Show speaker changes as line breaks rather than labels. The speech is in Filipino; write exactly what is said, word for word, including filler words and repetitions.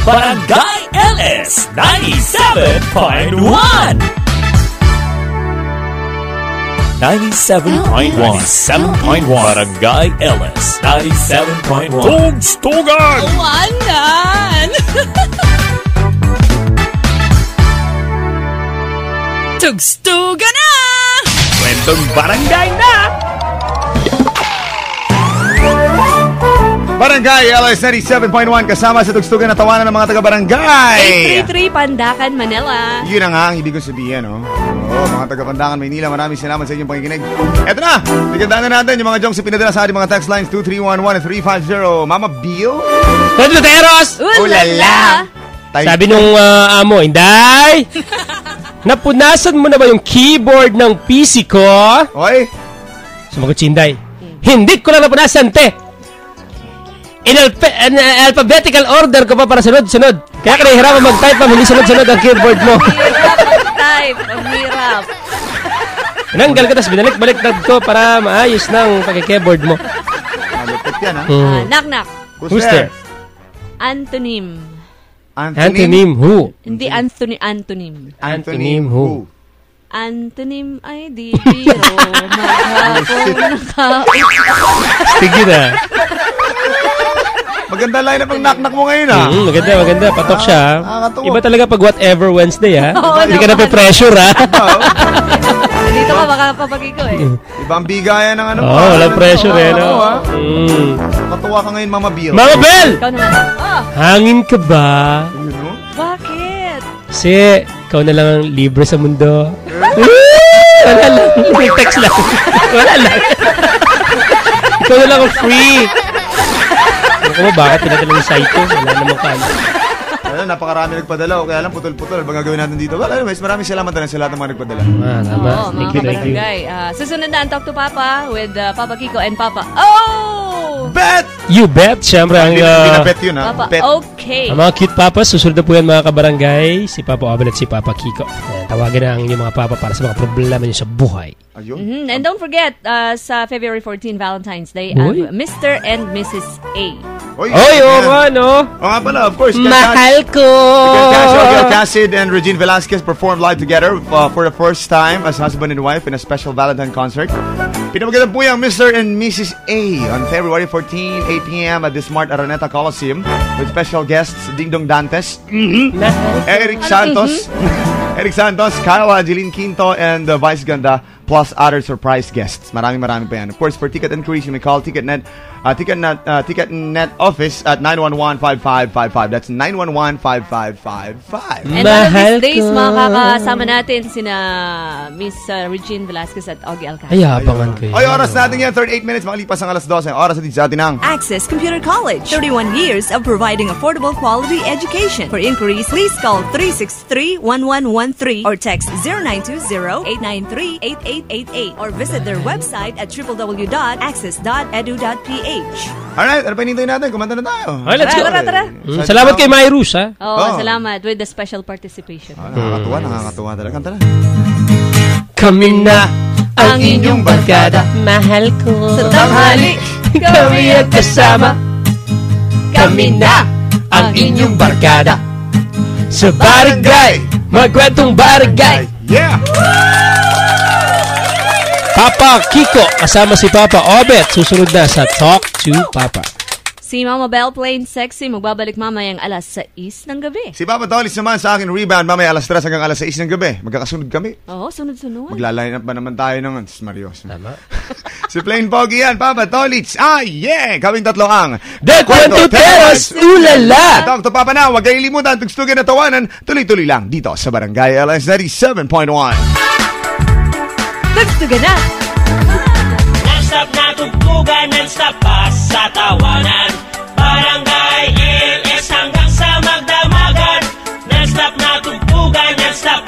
Barangay L S ninety-seven point one. ninety-seven point one. ninety-seven point one. Barangay L S ninety-seven point one. Tugstugan!
Awanan! Tugstugan na!
Kwentong barangay na!
Barangay L S ninety-seven point one kasama sa tugstugan na tawanan ng mga taga-barangay.
eight three three Pandacan, Manila.
Yun ang ang ibig kong sabihin, no? Oo, mga taga-Pandacan, Maynila, maraming salamat sa inyong pakikinig. Eto na, tigandaan na natin yung mga jongs pinadala sa ating mga text lines two three one one three five zero. Mama Bill?
Tadluteros!
Ulala!
Sabi nung uh, amo, Inday, napunasan mo na ba yung keyboard ng P C ko?
Oy?
Sumagot si Inday, hindi ko lang napunasan, te. In alpha- an, uh, alphabetical order ko pa para sunod-sunod. Kaya ka nahihirapan mag-type pa, hindi sunod-sunod ang keyboard mo.
Hirap mag-type. Ang hirap.
Nanggal ka, tapos binalik-baliktad ko para maayos ng pagka-keyboard mo.
Malupit yan, ha?
Mm.
Ah, knock-knock.
Who's there?
Antonym.
Antonym who?
Hindi Anthony, antonym.
Antonym who?
Antonym ay di biro. Maghapong naka...
Stiggy na.
Maganda line up ang knock-knock mo ngayon, ha?
Mm, maganda, maganda. Patok siya.
Ah,
Iba talaga pag whatever Wednesday, ha?
Oo,
Hindi ka na
naman.
pe-pressure, ha?
Dito ka baka papagi ko eh.
Ibang bigayan ng ano
Oo, oh, walang pressure, eh, no?
Oo, ha?
Mm.
Katuwa ka ngayon, Mama Bill.
Mama Bell!
Ikaw naman. Oh,
Hangin ka ba?
Yun, no?
bakit?
Kasi, ikaw na lang ang libre sa mundo. Wala lang. May text lang. Wala lang. Ikaw na lang ang free. Ano mo, bakit pinadala yung site ko? Wala namang kanya.
Alam, napakarami nagpadala. Kaya lang, putol-putol. Ano bang gagawin natin dito? Well, anyways, maraming salamat na sa lahat ng mga nagpadala.
Ah, tama.
Oo, mga
Thank you, thank you.
kabarangay. Uh, susunod na ang Talk to Papa with uh, Papa Kiko and Papa. Oh!
Bet!
You bet. Siyempre, ang,
Hindi
uh,
na bet yun, ha?
Papa,
Bet.
okay.
ang mga cute papas, susunod na po yan mga kabarangay. Si Papa Obel at si Papa Kiko. Ayan, tawagan na ang inyong mga papa para sa mga problema niyo sa buhay.
Ayun.
Mm-hmm. And don't forget, uh, sa February fourteenth, Valentine's Day,
Uy.
uh, Mister and Missus A.
Oy,
Oy, oo
yan.
nga, no?
Oo nga pala, of course.
Mahal ko!
Casio, Gil Cassid and Regine Velasquez performed live together uh, for the first time as husband and wife in a special Valentine concert. Pinamagalan po yung Mister and Missus A on February fourteenth, eight p.m. at the Smart Araneta Coliseum with special guests Ding Dong Dantes, Eric Santos, Eric Santos, Kyle Angeline Quinto, and uh, Vice Ganda, plus other surprise guests. Maraming maraming pa yan. Of course, for ticket inquiries, you may call TicketNet, uh, TicketNet, uh, TicketNet office at nine one one, five five five five. That's nine one one, five five five five.
And one of
Mahal
these days,
ko.
makakasama natin sina Miss uh, Regine Velasquez at Augie Alcantara.
Ay, abangan ko yun.
Oy, oras natin yan, thirty-eight minutes, makalipas ang alas twelve. Oras natin sa atin ang
Access Computer College. thirty-one years of providing affordable quality education. For inquiries, please call three six three, one one one three or text zero nine two zero, eight nine three, eight eight eight eight or visit their website at w w w dot access dot e d u dot p h.
Alright, ano pa hinintay natin? Kumanta na tayo.
Okay, let's go.
Tara, tara, tara.
Mm, salamat kay Myrus, ha?
Oo,
Oh.
salamat with the special participation.
Ah, nakakatuwa, nakakatuwa talaga. Kanta na.
Kami na ang inyong barkada. Mahal ko.
Sa tanghali,
Kami at kasama. Kami na ang inyong barkada. Sa barangay, magkwentong barangay.
Yeah!
Papa Kiko, kasama si Papa Obet. Susunod na sa Talk to Papa.
Si Mama Belle Plain Sexy magbabalik mamayang alas sais ng gabi.
Si Papa Tolis naman sa akin rebound mamaya alas tres hanggang alas sais ng gabi. Magkakasunod kami.
Oo, sunod-sunod.
Magla-line up ba naman tayo ng Marios?
Tama.
Si Plain Pogi yan, Papa Tolis. Ah, yeah! Kaming tatlo ang
The Kwentuteros, ulala!
Talk to Papa na, huwag kayong limutan, tugstugan at tawanan, tuloy-tuloy lang dito sa Barangay L S ninety-seven point one.
Tugstugan na!
Non-stop na tugtugan, non-stop pa sa tawanan. Barangay L S hanggang sa magdamagan. Non-stop na tugtugan, non-stop